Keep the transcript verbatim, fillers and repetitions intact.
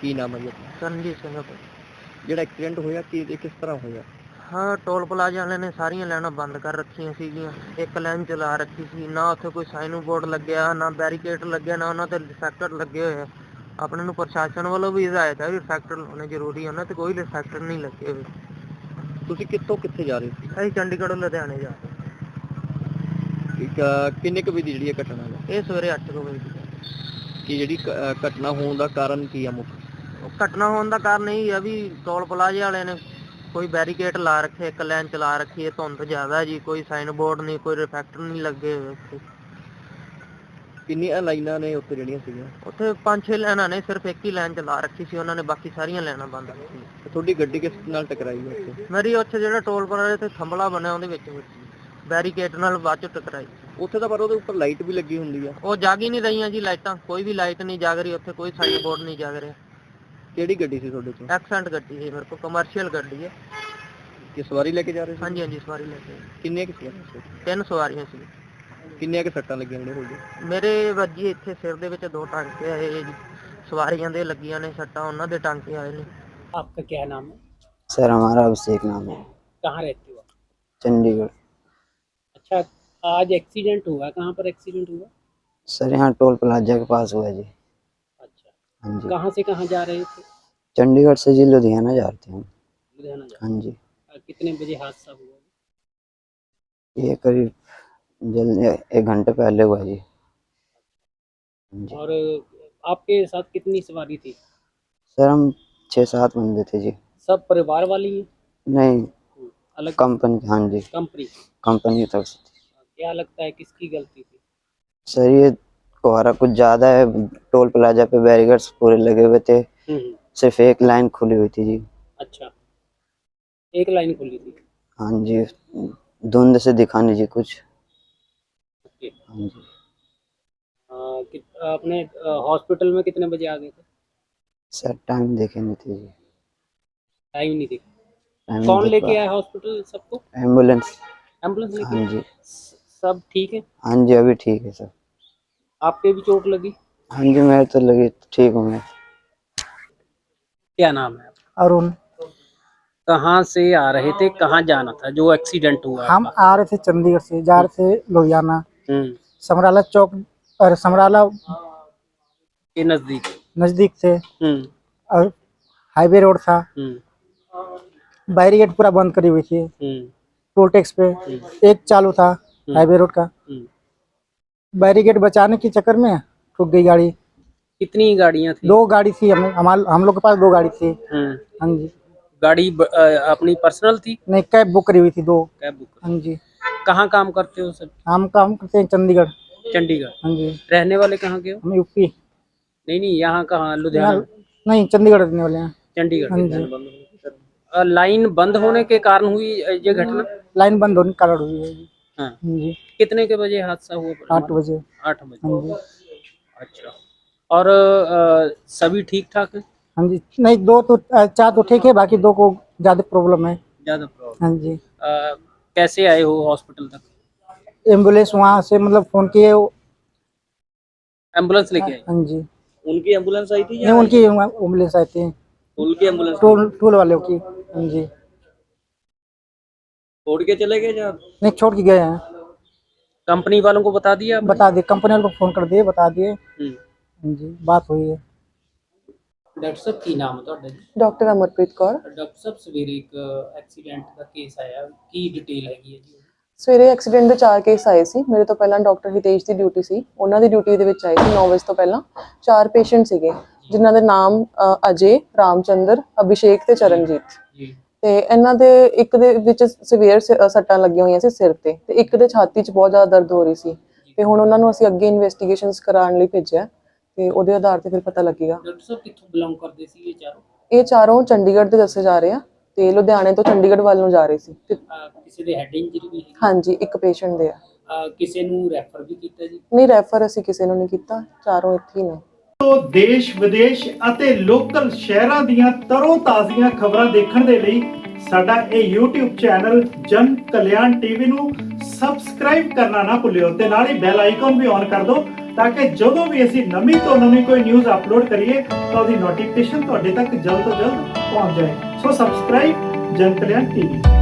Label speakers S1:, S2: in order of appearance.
S1: ਕੀ ਨਾਮ ਹੈ ਜੀ ਆਪਣਾ?
S2: ਕਰਨਜੀਤ ਸਿੰਘ ਭਾਈ।
S1: ਜਿਹੜਾ ਐਕਸੀਡੈਂਟ ਹੋਇਆ ਕੀ ਇਹ ਕਿਸ ਤਰ੍ਹਾਂ ਹੋਇਆ?
S2: ਹਾਂ, ਟੋਲ ਪਲਾਜ਼ਾ ਵਾਲਿਆਂ ਨੇ ਸਾਰੀਆਂ ਲਾਈਨਾਂ ਬੰਦ ਕਰ ਰੱਖੀਆਂ ਸੀਗੀਆਂ। ਇੱਕ ਲਾਈਨ ਚਲਾ ਰੱਖੀ ਸੀ, ਨਾ ਉੱਥੇ ਕੋਈ ਸਾਈਨ ਬੋਰਡ ਲੱਗਿਆ, ਨਾ ਬੈਰੀਕੇਡ ਲੱਗਿਆ, ਨਾ ਉਹਨਾਂ ਤੇ ਰਿਫਲੈਕਟਰ ਲੱਗੇ ਹੋਏ ਆ। ਆਪਣੇ ਨੂੰ ਪ੍ਰਸ਼ਾਸਨ ਵੱਲੋਂ ਵੀ ਹਦਾਇਤ ਹੈ ਵੀ ਰਿਫਲੈਕਟਰ ਲਾਉਣੇ ਜ਼ਰੂਰੀ ਆ, ਉਹਨਾਂ ਤੇ ਕੋਈ ਰਿਫਲੈਕਟਰ ਨਹੀਂ ਲੱਗੇ ਹੋਏ।
S1: ਤੁਸੀਂ ਕਿੱਥੋਂ ਕਿੱਥੇ ਜਾ ਰਹੇ ਸੀ?
S2: ਅਸੀਂ ਚੰਡੀਗੜ੍ਹ ਲੁਧਿਆਣੇ ਜਾ ਰਹੇ
S1: ਇੱਕ, ਅਹ, ਕਿੰਨੇ ਕੁ ਵਜੇ ਦੀ ਜਿਹੜੀ ਇਹ ਘਟਨਾ ਹੈ?
S2: ਇਹ ਸਵੇਰੇ ਅੱਠ ਕੁ ਵਜੇ ਦੀ
S1: ਕਿ ਜਿਹੜੀ ਕ- ਅਹ ਘਟਨਾ ਹੋਣ ਦਾ ਕਾਰਨ ਕੀ ਆ ਮੁੱਖ?
S2: ਉਹ ਘਟਨਾ ਹੋਣ ਦਾ ਕਾਰਨ ਇਹ ਆ ਵੀ ਟੋਲ ਪਲਾਜ਼ੇ ਵਾਲੇ ਨੇ ਕੋਈ ਬੈਰੀਕੇਡ ਲਾ ਰੱਖੇ, ਇੱਕ ਲਾਈਨ ਚਲਾ ਰੱਖੀ ਹੈ। ਧੁੰਦ ਜ਼ਿਆਦਾ ਜੀ, ਕੋਈ ਸਾਈਨ ਬੋਰਡ ਨਹੀਂ, ਕੋਈ ਰਿਫਲੈਕਟਰ ਨਹੀਂ ਲੱਗੇ ਹੋਏ ਉੱਥੇ।
S1: ਕਿੰਨੀਆਂ ਲਾਈਨਾਂ ਨੇ ਉੱਥੇ ਜਿਹੜੀਆਂ ਸੀਗੀਆਂ?
S2: ਉੱਥੇ ਪੰਜ ਛੇ ਲਾਈਨਾਂ ਨੇ, ਸਿਰਫ ਇੱਕ ਹੀ ਲਾਈਨ ਚਲਾ ਰੱਖੀ ਸੀ ਉਹਨਾਂ ਨੇ, ਬਾਕੀ ਸਾਰੀਆਂ ਲਾਈਨਾਂ ਬੰਦ ਰੱਖੀਆਂ।
S1: ਤੇ ਤੁਹਾਡੀ ਗੱਡੀ ਕਿਸ ਨਾਲ ਟਕਰਾਈ ਹੈ ਉੱਥੇ?
S2: ਮੇਰੀ ਉੱਥੇ ਜਿਹੜਾ ਟੋਲ ਪਲਾਜ਼ੇ ਤੇ ਥੰਬਲਾ ਬਣਿਆ ਉਹਦੇ ਵਿੱਚ ਬੈਰੀਕੇਡ ਨਾਲ ਬਾਅਦ ਚ ਟਕਰਾਈ।
S1: ਉੱਥੇ ਤਾਂ ਪਰ ਉਹਦੇ ਉੱਪਰ ਲਾਈਟ ਵੀ ਲੱਗੀ ਹੁੰਦੀ ਆ।
S2: ਉਹ ਜਾਗ ਹੀ ਨਹੀਂ ਰਹੀਆਂ ਜੀ ਲਾਈਟਾਂ, ਕੋਈ ਵੀ ਲਾਈਟ ਨਹੀਂ ਜਾਗ ਰਹੀ ਉੱਥੇ, ਕੋਈ ਸਾਈਨ ਬੋਰਡ ਨਹੀਂ ਜਾਗ ਰਿਹਾ।
S1: ਕਿਹੜੀ ਗੱਡੀ ਸੀ ਤੁਹਾਡੇ ਕੋਲ?
S2: ਐਕਸੈਂਟ ਗੱਡੀ ਹੈ ਮੇਰੇ ਕੋਲ, ਕਮਰਸ਼ੀਅਲ ਗੱਡੀ ਹੈ।
S1: ਕਿ ਸਵਾਰੀ ਲੈ ਕੇ ਜਾ ਰਹੇ ਸੀ?
S2: ਹਾਂਜੀ ਹਾਂਜੀ, ਸਵਾਰੀ ਲੈ ਕੇ।
S1: ਕਿੰਨੀਆਂ ਕਿ ਸਵਾਰੀਆਂ ਸੀ?
S2: ਤਿੰਨ ਸਵਾਰੀਆਂ ਸੀ।
S1: ਕਿੰਨੀਆਂ ਕਿ ਸੱਟਾਂ ਲੱਗੀਆਂ ਨੇ ਤੁਹਾਡੇ?
S2: ਮੇਰੇ ਵੱਜੀ ਇੱਥੇ ਸਿਰ ਦੇ ਵਿੱਚ ਦੋ ਟਾਂਕੇ ਆਏ ਜੀ, ਸਵਾਰੀਆਂ ਦੇ ਲੱਗੀਆਂ ਨੇ ਸੱਟਾਂ, ਉਹਨਾਂ ਦੇ ਟਾਂਕੇ ਆਏ ਨੇ।
S3: आपका क्या नाम है?
S4: सर हमारा अभिषेक नाम है।
S3: कहाँ रहते हो?
S4: चंडीगढ़।
S3: अच्छा, आज एक्सीडेंट हुआ, कहाँ पर एक्सीडेंट हुआ?
S4: सर यहाँ टोल प्लाजा के पास हुआ जी।
S3: अच्छा,
S4: हाँ जी।
S3: कहाँ से कहाँ जा रहे थे?
S4: चंडीगढ़ से जी लुधियाना जाते हैं हम।
S3: लुधियाना जा
S4: हाँ जी।
S3: रहे। कितने बजे हादसा हुआ?
S4: ये करीब जल्द एक घंटे पहले हुआ जी। हाँ जी।
S3: और आपके साथ कितनी सवारी थी?
S4: सर हम छः सात बंदे थे जी।
S3: सब परिवार वाली है?
S4: नहीं,
S3: अलग
S4: कंपनी। हाँ जी,
S3: कंपनी।
S4: कंपनी की तरफ से थी।
S3: क्या लगता है किसकी गलती थी?
S4: सर ये कोहरा कुछ ज़्यादा है, टोल प्लाजा पे बैरिकेड्स पूरे लगे हुए थे,
S3: हम्म,
S4: सिर्फ एक लाइन खुली हुई थी जी।
S3: अच्छा, एक लाइन खुली थी।
S4: हाँ जी, धुंध से दिखा नहीं जी कुछ।
S3: ओके।
S4: हाँ जी।
S3: आ, कि- आपने आ, हॉस्पिटल में कितने बजे आ गए थे?
S4: सर टाइम देखे नहीं थे जी।
S3: टाइम नहीं देखा।
S4: टाइम
S3: कौन
S4: नहीं देख
S3: लेके
S4: पाया।
S3: आया हॉस्पिटल सबको?
S4: एम्बुलेंस।
S3: एम्बुलेंस लेके
S4: हाँ
S3: आया?
S4: जी।
S3: स- सब ठीक है?
S4: हाँ जी, अभी ठीक है सर।
S3: आपके भी चोट लगी?
S4: हाँ जी, मैं तो लगी ठीक हूँ मैं।
S3: क्या नाम है?
S5: अरुण।
S3: कहाँ से आ रहे थे, कहाँ जाना था जो एक्सीडेंट हुआ?
S5: हम आ रहे थे चंडीगढ़ से, जा रहे थे लुधियाना।
S3: हम्म,
S5: समराला चौक और समराला
S3: के नजदीक।
S5: नजदीक से,
S3: हम्म,
S5: और हाईवे रोड था,
S3: हम्म,
S5: बैरिकेड पूरा बंद करी हुई थी।
S3: हम्म,
S5: टोल टैक्स पे एक चालू था हाईवे रोड का,
S3: हम्म।
S5: बैरिकेड बचाने के चक्कर में ठुक गई गाड़ी।
S3: कितनी गाड़ियाँ थी?
S5: दो गाड़ी थी, हम हमार हम लोग के पास दो गाड़ी थी।
S3: हम्म,
S5: हाँ जी।
S3: गाड़ी ब, अ, अपनी पर्सनल थी?
S5: नहीं, कैब बुक करी हुई थी दो।
S3: Cab book.
S5: हाँ जी।
S3: कहाँ काम करते हो सब?
S5: हम काम करते हैं चंडीगढ़।
S3: चंडीगढ़।
S5: हाँ जी।
S3: रहने वाले कहाँ के हो?
S5: हम यूपी।
S3: नहीं नहीं, यहाँ कहाँ? लुधियाना?
S5: नहीं, चंडीगढ़ रहने वाले हैं।
S3: चंडीगढ़।
S5: हाँ जी।
S3: अ, लाइन बंद होने के कारण हुई अ, ये घटना?
S5: लाइन बंद होने के कारण हुई है जी।
S3: हाँ।
S5: हाँ जी।
S3: कितने के बजे हादसा हुआ?
S5: आठ बजे।
S3: आठ बजे।
S5: हाँ जी।
S3: अच्छा, और अ, सभी ठीक ठाक है?
S5: हाँ जी। नहीं, दो तो अ, चार तो ठीक है, बाकी दो को ज्यादा प्रॉब्लम है।
S3: ज्यादा प्रॉब्लम?
S5: हाँ जी।
S3: अ, कैसे आए हो हॉस्पिटल तक?
S5: एम्बुलेंस वहाँ से मतलब फोन किए।
S3: एम्बुलेंस लेके आए?
S5: हाँ जी।
S3: उनकी एम्बुलेंस आई थी
S5: नहीं, उनकी एम्बुलेंस आई थी,
S3: उनकी एम्बुलेंस
S5: टोल टोल वालों की। हाँ जी।
S3: छोड़ के चले गए या
S5: नहीं, छोड़ के गए हैं।
S3: कंपनी वालों को बता दिया आपने?
S5: बता दिए, कंपनी वालों को फोन कर दिए, बता दिए।
S3: हम्म।
S5: हाँ जी, बात हुई है।
S3: डॉक्टर साहब की नाम है ਤੁਹਾਡਾ ਜੀ?
S6: ਡਾਕਟਰ ਅਮਰਪ੍ਰੀਤ ਕੌਰ।
S3: ਡਾਕਟਰ ਸਾਹਿਬ ਸਵੇਰੇ ਇੱਕ ਐਕਸੀਡੈਂਟ ਦਾ ਕੇਸ ਆਇਆ, ਕੀ ਡਿਟੇਲ ਹੈਗੀ ਹੈ ਜੀ?
S6: ਸਵੇਰੇ ਐਕਸੀਡੈਂਟ ਦੇ ਚਾਰ ਕੇਸ ਆਏ ਸੀ। ਮੇਰੇ ਤੋਂ ਪਹਿਲਾਂ ਡਾਕਟਰ ਹਿਤੇਸ਼ ਦੀ ਡਿਊਟੀ ਸੀ, ਉਹਨਾਂ ਦੀ ਡਿਊਟੀ ਦੇ ਵਿੱਚ ਆਏ ਸੀ ਨੌ ਵਜੇ ਤੋਂ ਪਹਿਲਾਂ। ਚਾਰ ਪੇਸ਼ੈਂਟ ਸੀਗੇ ਜਿਨ੍ਹਾਂ ਦੇ ਨਾਮ ਅ, ਅਜੇ, ਰਾਮਚੰਦਰ, ਅਭਿਸ਼ੇਕ ਤੇ ਚਰਨਜੀਤ।
S3: ਜੀ।
S6: ਤੇ ਇਹਨਾਂ ਦੇ ਇੱਕ ਦੇ ਵਿੱਚ ਸਿਵੀਅਰ ਸੱਟਾਂ ਲੱਗੀਆਂ ਹੋਈਆਂ ਸੀ ਸਿਰ ਤੇ, ਤੇ ਇੱਕ ਦੇ ਛਾਤੀ 'ਚ ਬਹੁਤ ਜ਼ਿਆਦਾ ਦਰਦ ਹੋ ਰਹੀ ਸੀ। ਤੇ ਹੁਣ ਉਹਨਾਂ ਨੂੰ ਅਸੀਂ ਅੱਗੇ ਇਨਵੈਸਟੀਗੇਸ਼ਨਸ ਕਰਾਉਣ ਲਈ ਭੇਜਿਆ, ਤੇ ਉਹਦੇ ਆਧਾਰ ਤੇ ਫਿਰ ਪਤਾ ਲੱਗੇਗਾ।
S3: ਡਾਕਟਰ ਸਾਹਿਬ ਕਿੱਥੋਂ ਬਿਲੋਂਗ ਕਰਦੇ ਸੀ ਇਹ ਚਾਰੋਂ?
S6: ਇਹ ਚਾਰੋਂ ਚੰਡੀਗੜ੍ਹ ਦੇ ਦੱਸੇ ਜਾ ਰਹੇ ਆ, ਤੇ ਲੁਧਿਆਣੇ ਤੋਂ ਚੰਡੀਗੜ੍ਹ ਵੱਲ ਨੂੰ ਜਾ ਰਹੇ ਸੀ। ਤੇ
S3: ਅਹ ਕਿਸੇ ਦੇ ਹੈਡ ਇੰਜਰੀ ਵੀ ਹੈਗੀ?
S6: ਹਾਂਜੀ, ਇੱਕ ਪੇਸ਼ੈਂਟ ਦੇ ਆ।
S3: ਅਹ ਕਿਸੇ ਨੂੰ ਰੈਫਰ ਵੀ ਕੀਤਾ ਜੀ?
S6: ਨਹੀਂ, ਰੈਫਰ ਅਸੀਂ ਕਿਸੇ ਨੂੰ ਨਹੀਂ ਕੀਤਾ, ਚਾਰੋਂ ਇੱਥੇ ਹੀ ਨੇ।
S7: ਦੇਸ਼ ਵਿਦੇਸ਼ ਅਤੇ ਲੋਕਲ ਸ਼ਹਿਰਾਂ ਦੀਆਂ ਤਰੋ ਤਾਜ਼ੀਆਂ ਖਬਰਾਂ ਦੇਖਣ ਦੇ ਲਈ ਸਾਡਾ ਇਹ YouTube ਚੈਨਲ ਜਨ ਕਲਿਆਣ ਟੀਵੀ ਨੂੰ ਸਬਸਕ੍ਰਾਈਬ ਕਰਨਾ ਨਾ ਭੁੱਲਿਓ, ਤੇ ਨਾਲ ਹੀ ਬੈਲ ਆਈਕਨ ਵੀ ਔਨ ਕਰ ਦਿਓ ਤਾਂ ਕਿ ਜਦੋਂ ਵੀ ਅਸੀਂ ਨਵੀਂ ਤੋਂ ਨਵੀਂ ਕੋਈ ਨਿਊਜ਼ ਅਪਲੋਡ ਕਰੀਏ ਤਾਂ ਉਹਦੀ ਨੋਟੀਫਿਕੇਸ਼ਨ ਤੁਹਾਡੇ ਤੱਕ ਜਲਦ ਤੋਂ ਜਲਦ ਪਹੁੰਚ ਜਾਏ। ਸੋ ਸਬਸਕ੍ਰਾਈਬ ਜਨ ਕਲਿਆਣ ਟੀਵੀ।